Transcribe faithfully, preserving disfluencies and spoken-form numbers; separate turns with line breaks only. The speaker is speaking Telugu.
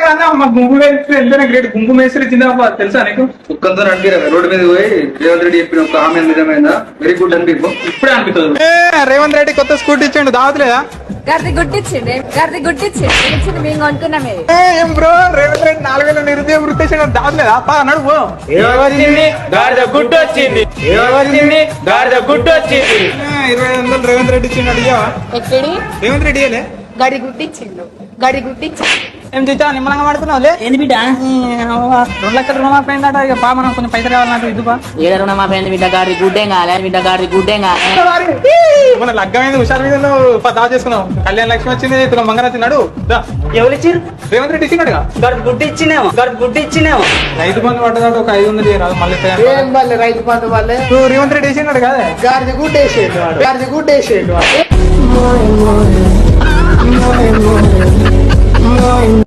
గుంపు మేస్త్రి గ్రేట్ గుంపు మేస్త్రి జిందాబాద్ తెలుసా నీకు?
ఒక్కంతో అనిపించారు రోడ్డు మీద పోయి రేవంత్ రెడ్డి చెప్పిన ఒక హామీ నిజమైందా? వెరీ గుడ్ అనిపి
ఇప్పుడే అనిపిస్తుంది. రేవంత్ రెడ్డి కొత్త స్కూటీ ఇచ్చిండు దావట్లేదా?
గర్ది గుట్టిచ్చిండి గర్ది గుట్టిచ్చిండి మేము కొనుక్కున్నామే.
ఏం బ్రో రేవంత్ రెడ్డి నాలుగు వేల నిరుద్యోగ వృత్తి ఇచ్చిండు దావట్లేదా? పా నడుపు.
గాడిద గుడ్డు వచ్చింది గాడిద గుడ్డు వచ్చింది.
ఇరవై ఐదు వందలు రేవంత్ రెడ్డి ఇచ్చిండు అడిగావా?
ఎక్కడి
రేవంత్ రెడ్డి ఇయ్యలే?
గడి గుట్టిచ్చిండు గడి గుట్టిచ్చిండు.
ఏం చూచా నిమ్మలంగా పడుతున్నావులే.
ఏంది బిడ్డ
రెండు లక్షల రుణమాఫీ అయిందట. ఇక పా మనం కొంచెం పైసలు కావాలన్నట్టు ఇద్దుపా.
ఏడ రుణమాఫీ అయింది బిడ్డ గాడి గుడ్డేం కాలే బిడ్డ గాడి గుడ్డేం కాలే.
మన లగ్గమైంది హుషారు మీద దావ చేసుకున్నాం. కళ్యాణ లక్ష్మి వచ్చింది తుల మంగళ వచ్చినాడు.
ఎవరు ఇచ్చారు?
రేవంత్ రెడ్డి ఇచ్చినాడుగా.
గడి గుడ్డు ఇచ్చినేమో గడి గుడ్డు ఇచ్చినేమో.
రైతు బంధు పడ్డదాడు ఒక ఐదు వందలు రాదు మళ్ళీ
ఏం వాళ్ళే రైతు బంధు వాళ్ళే
రేవంత్ రెడ్డి వేసినాడు కదా.
గాడిద గుడ్డు వేసేయండి వాడు గాడిద గుడ్డు వేసేయండి వాడు